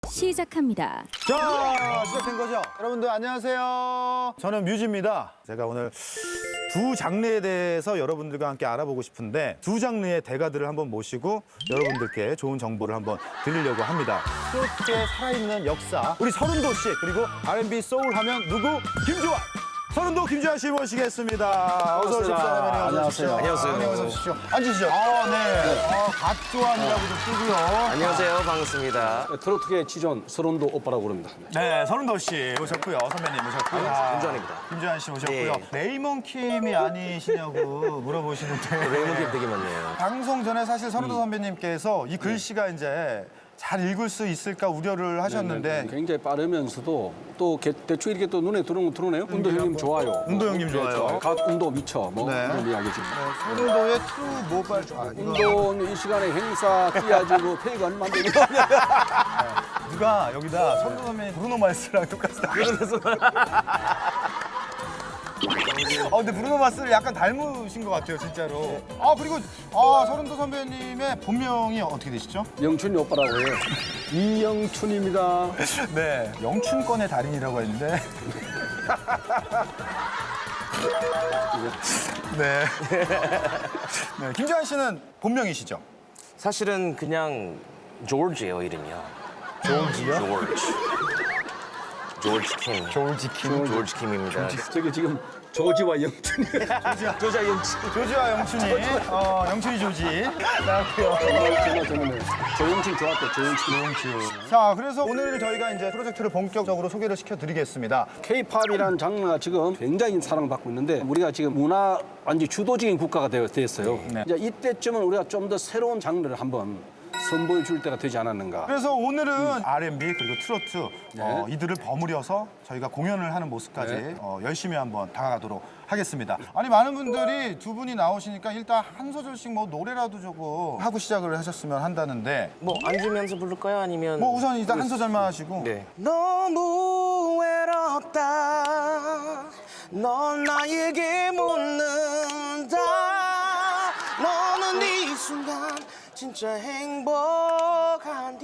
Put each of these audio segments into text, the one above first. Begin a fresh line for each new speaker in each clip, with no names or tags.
시작합니다.
자, 시작된 거죠? 여러분들 안녕하세요. 저는 뮤지입니다. 제가 오늘 두 장르에 대해서 여러분들과 함께 알아보고 싶은데 두 장르의 대가들을 한번 모시고 여러분들께 좋은 정보를 한번 드리려고 합니다. 트로트의 살아있는 역사, 우리 서른도 씨, 그리고 R&B 소울 하면 누구? 김주환! 서른도 김주환 씨 모시겠습니다. 어서 오십시오.
안녕하세요.
안녕하세요. 어서 오십시오. 앉으시죠. 네. 갓조환이라고도 뜨고요.
안녕하세요. 반갑습니다.
트로트계 지존 서른도 오빠라고 부릅니다.
네, 서른도 씨 모셨고요. 선배님 모셨고요.
김주환입니다.
김주환 씨 모셨고요.
네.
레이먼 킴이 아니시냐고 물어보시는데
레이먼 되게 많네요.
방송 전에 사실 서른도 선배님께서 이 글씨가 이제 잘 읽을 수 있을까 우려를 하셨는데
굉장히 빠르면서도 또 대충 이렇게 또 눈에 들어오네요. 운도 형님 좋아요.
운도 형님 좋아요.
각 운도 미쳐 뭐
네.
그런 이야기지.
서른도의 트루 모바일
운동 이 시간에 행사 뛰어가지고 페이가 얼마 안 되냐.
누가 여기다 서른도 선배님 브루노 마스랑 똑같다. 근데 브루노 마스를 약간 닮으신 것 같아요, 진짜로. 그리고 서른도 선배님의 본명이 어떻게 되시죠?
영춘이 오빠라고 해요. 이영춘입니다.
네, 영춘권의 달인이라고 했는데. 네. 네. 김주환 씨는 본명이시죠?
사실은 그냥 조지예요, 이름이요.
조지요?
조지 킴.
조지 킴.
조지 킴입니다.
저기 지금 조지와 영춘이.
조지와 영치.
조지와 영춘이. 영춘이 조지. 나왔고요.
저는 조영춘 좋았대. 조영춘.
자, 그래서 오늘 저희가 이제 프로젝트를 본격적으로 소개를 시켜드리겠습니다.
K-팝이라는 장르가 지금 굉장히 사랑받고 있는데 우리가 지금 문화 완전 주도적인 국가가 됐어요.
네.
이제 이때쯤은 우리가 좀 더 새로운 장르를 한번 선보여 줄 때가 되지 않았는가.
그래서 오늘은 R&B 그리고 트로트 이들을 버무려서 저희가 공연을 하는 모습까지
네.
열심히 한번 다가가도록 하겠습니다. 아니 많은 분들이 두 분이 나오시니까 일단 한 소절씩 뭐 노래라도 조금 하고 시작을 하셨으면 한다는데
뭐 앉으면서 부를까요? 아니면
뭐 우선 일단 한 소절만 하시고
네. 너무 외롭다. 넌 나에게 묻는다. 너는 이 순간 진짜 행복한디.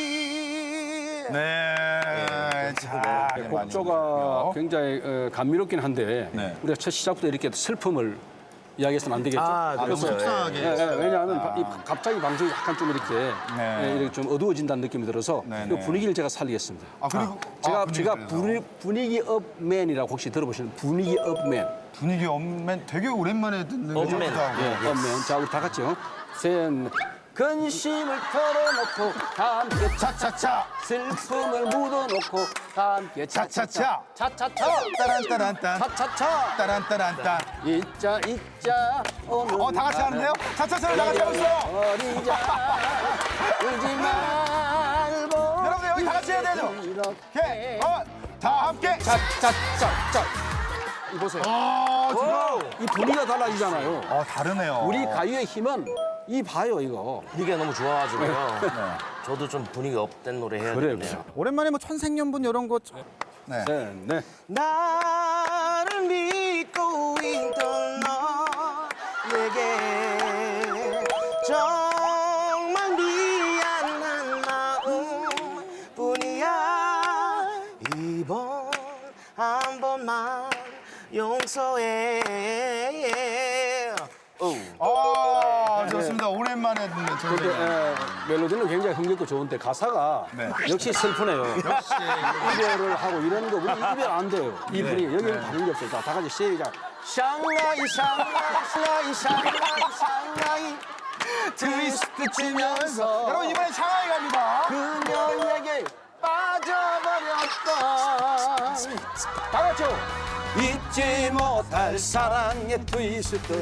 네. 자,
네, 곡조가 굉장히 감미롭긴 한데
네.
우리가 첫 시작부터 이렇게 슬픔을 이야기해서는 안 되겠죠.
너무 속상하게.
왜냐하면 갑자기 방송이 약간 좀 이렇게,
네.
이렇게 좀 어두워진다는 느낌이 들어서
네,
이
네.
분위기를 제가 살리겠습니다.
그리고
제가
분위기를
분위기 업맨이라고 혹시 들어보시는 분위기 업맨.
분위기 없면 되게 오랜만에 듣는
업맨.
거죠.
업맨. 자, 우리 다 같이요. 셋. 근심을 털어놓고 다 함께
차차차
슬픔을 묻어놓고 다 함께
차차차
차차차
따란따란딴
차차차
따란따란딴
잊자 오늘
다 같이 하는데요? 차차차를 다 같이 하고 있어요.
버리자 울지 말고
여러분들 여기 다 같이 해야 되죠?
이렇게
다 함께
차차차차 이보세요.
지금
이 분위기가 달라지잖아요.
다르네요.
우리 가요의 힘은 이 봐요 이거.
분위기가 너무 좋아가지고요. 저도 좀 분위기 업된 노래 해야
그래요,
되겠네요.
오랜만에 뭐 천생연분 이런 거 네.
네.
나를 믿고 있던 너에게 정말 미안한 마음뿐이야. 이번 한 번만 용서해.
좋습니다. 오랜만에 듣는
근데
천생연분.
멜로디는 굉장히 흥겹고 좋은데 가사가
네.
역시 슬프네요. 이별을 하고 이런 거 우리 이별 안 돼요. 이 분위기 여기는 다른 게 없어요. 다 같이 시작. 샹라이
트위스트 치면서 여러분 이번에 샹하이 갑니다.
그녀에게 빠져버렸던 다 같이요. 잊지 못할 사랑의 트위스트.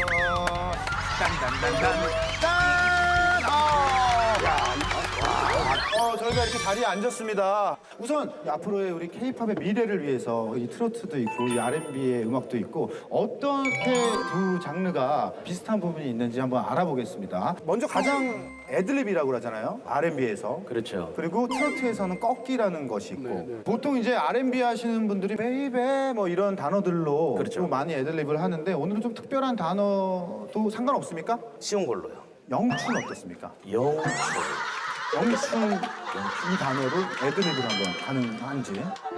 저희가 이렇게 자리에 앉았습니다. 우선 앞으로의 우리 K-팝의 미래를 위해서 이 트로트도 있고 이 R&B의 음악도 있고 어떻게 두 장르가 비슷한 부분이 있는지 한번 알아보겠습니다. 먼저 가장 애드립이라고 그러잖아요. R&B에서.
그렇죠.
그리고 트로트에서는 꺾기라는 것이 있고 보통 이제 R&B 하시는 분들이 베이베 뭐 이런 단어들로
그렇죠.
좀 많이 애드립을 하는데 오늘은 좀 특별한 단어도 상관없습니까?
쉬운 걸로요.
영춘 어떻습니까?
영초.
영춘 이 단어를 애드립을 한번 가능한지.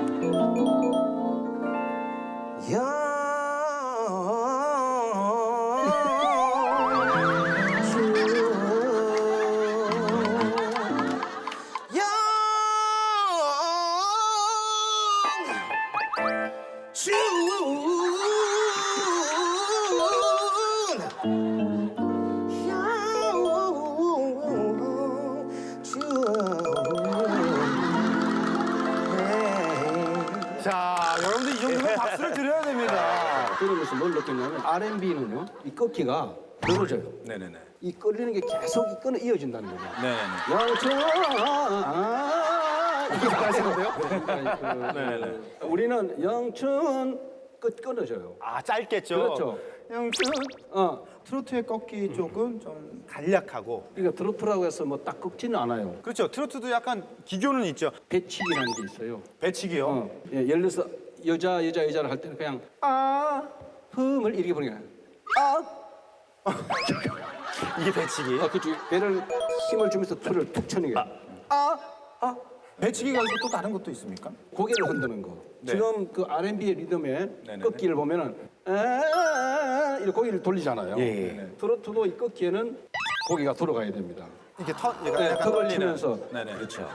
자, 여러분들 이 정도면 박수를 드려야 됩니다.
그러면서 뭘 느꼈냐면 R&B는요, 이 꺾기가 늘어져요.
네네네.
이 끌리는 게 계속 이 끈이 이어진다는 거죠.
네네네.
영천 이렇게 하시는데요?
네네.
우리는 영천 끝 끊어져요.
아, 짧겠죠?
그렇죠.
영춘. 트로트의 꺾기 쪽은 좀 간략하고.
그러니까 트로트라고 해서 뭐 딱 꺾지는 않아요.
그렇죠. 트로트도 약간 기교는 있죠.
배치기라는 게 있어요.
배치기요.
예, 예를 들어서 여자를 할 때는 그냥 흠을 이렇게 부르는 거예요.
이게 배치기.
그렇죠. 배를 힘을 주면서 툴을 툭 쳐는 게.
배치기가 있고 또 다른 것도 있습니까?
고개를 흔드는 거.
네.
지금 그 R&B의 리듬의
네네네.
꺾기를 보면은 이렇게 고개를 돌리잖아요. 트로트도 이 꺾기에는 고개가 돌아가야 됩니다.
이게
네,
약간
턱을
떨리는.
치면서.
네네. 그렇죠.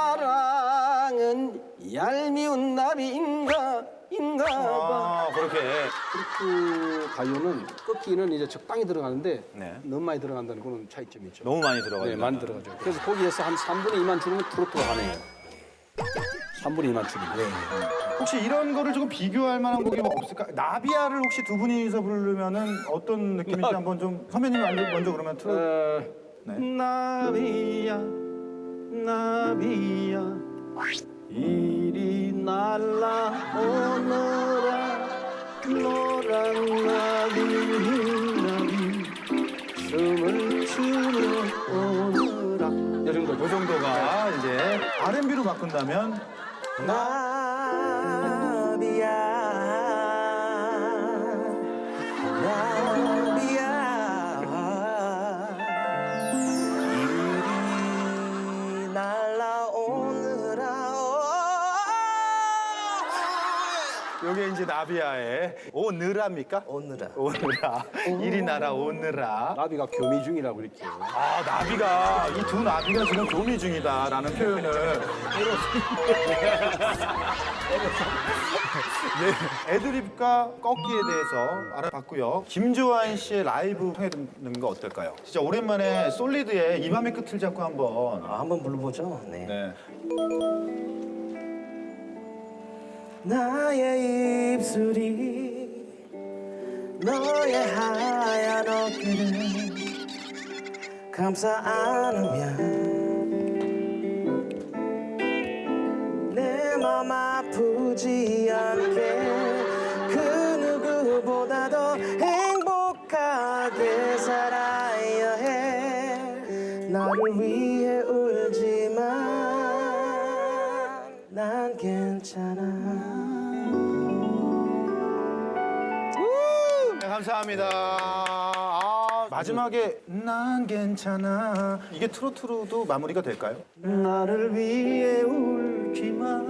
사랑은 얄미운 나비인가 봐.
아, 그렇게.
트로트 가요는 꺾기는 이제 적당히 들어가는데
네.
너무 많이 들어간다는 그런 차이점이 있죠.
너무 많이 들어가요.
네, 많이 들어가죠. 그래서 거기에서 한 3분의 2만 줄이면 트로트가 가능해요. 3분의 2만 줄이면.
혹시 이런 거를 조금 비교할 만한 곡이 뭐 없을까? 나비야를 혹시 두 분이서 부르면은 어떤 느낌인지 한번 좀 선배님이 먼저 그러면 틀어. 네.
나비야 나비야 이리 날아오너라 노란 나비 춤을 추며 오너라 이 정도.
이 정도가 이제 R&B로 바꾼다면
나비야 이리 날아오느라
이게 이제 나비야의 오느라입니까?
오느라
오느라. 이리 날아오느라.
나비가 교미 중이라고 이렇게.
아, 나비가 이 두 나비가 지금 교미 중이다라는 표현을 네, 애드립과 꺾기에 대해서 알아봤고요. 김조한 씨의 라이브 통해 듣는 거 어떨까요? 진짜 오랜만에 솔리드의 이 밤의 끝을 잡고 한번.
한번 불러보죠. 네.
네.
나의 입술이 너의 하얀 어깨를 감싸 안으면 내 맘 아프지 않게 그 누구보다도 행복하게 살아야 해 나를 위해 울지만 난 괜찮아.
네, 감사합니다. 마지막에 난 괜찮아. 이게 트로트로도 마무리가 될까요?
나를 위해 울지만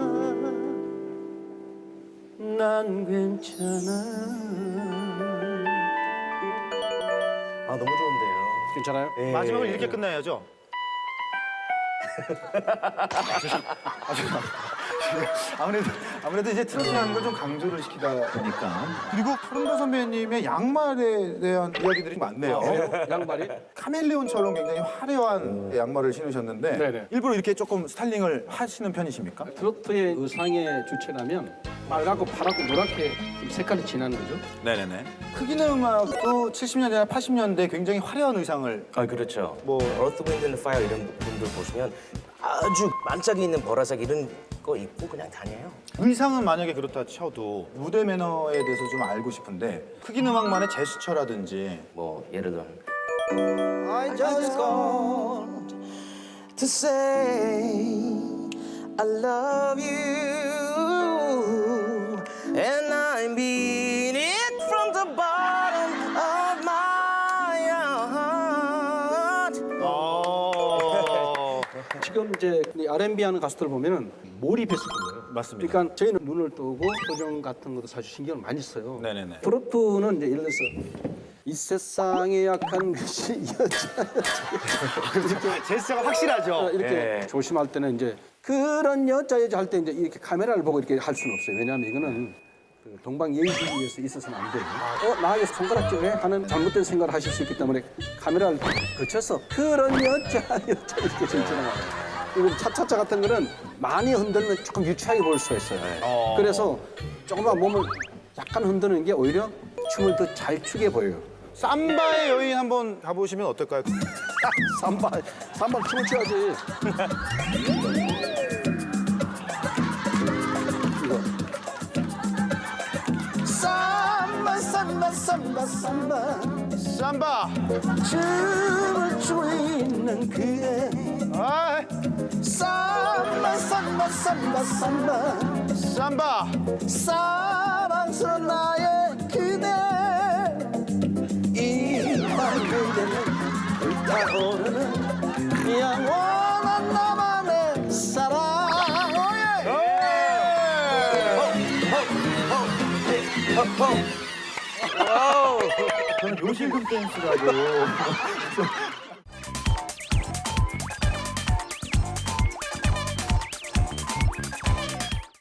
난 괜찮아.
너무 좋은데요.
괜찮아요?
네.
마지막을 이렇게 끝나야죠. 아무래도 이제 트로트라는 걸 좀 강조를 시키다 보니까. 그리고 푸른도 선배님의 양말에 대한 이야기들이 많네요.
양말이?
카멜레온처럼 굉장히 화려한 양말을 신으셨는데
네네.
일부러 이렇게 조금 스타일링을 하시는 편이십니까?
트로트의 의상의 주체라면 빨갛고 파랗고 노랗게 좀 색깔이 진한 거죠.
네네네. 흑인 음악도 70년대나 80년대 굉장히 화려한 의상을
그렇죠.
뭐
Earth, Wind and Fire 이런 분들 보시면 아주 반짝이 있는 보라색 이런 거 입고 그냥 다녀요.
의상은 만약에 그렇다 쳐도 무대 매너에 대해서 좀 알고 싶은데 흑인 음악만의 제스처라든지
뭐 예를 들어 I just called to say I love you and I mean it from the bottom of my heart.
지금 이제 이 R&B 하는 가수들 보면은 몰입했을 거예요.
맞습니다.
그러니까 저희는 눈을 뜨고 표정 같은 것도 사실 신경을 많이 써요.
네네네.
트로트는 이제 예를 들어서 이 세상에 약한 것이
제스처가 확실하죠.
이렇게
네.
조심할 때는 이제 그런 여자 할 때 이제 이렇게 카메라를 보고 이렇게 할 수는 없어요. 왜냐하면 이거는 그 동방예의주의에서 있어서는 안 돼요. 나에게 손가락질해 하는 잘못된 생각을 하실 수 있기 때문에 카메라를 거쳐서 그런 여자 이렇게 전체가 이거 차차차 같은 거는 많이 흔들면 조금 유치하게 보일 수가 있어요. 그래서 조금만 몸을 약간 흔드는 게 오히려 춤을 더 잘 추게 보여요.
삼바의 여인 한번 가보시면 어떨까요?
삼바 춤을 춰야지. 이거. 삼바 삼바 삼바 삼바
삼바.
춤을 추고 있는 그대
아,
삼바 삼바 삼바 삼바
삼바.
사랑스러운 나의 그대 이밤 그대는 불타오르는 영원한 나만의 사랑
저는 요실금 댄스라고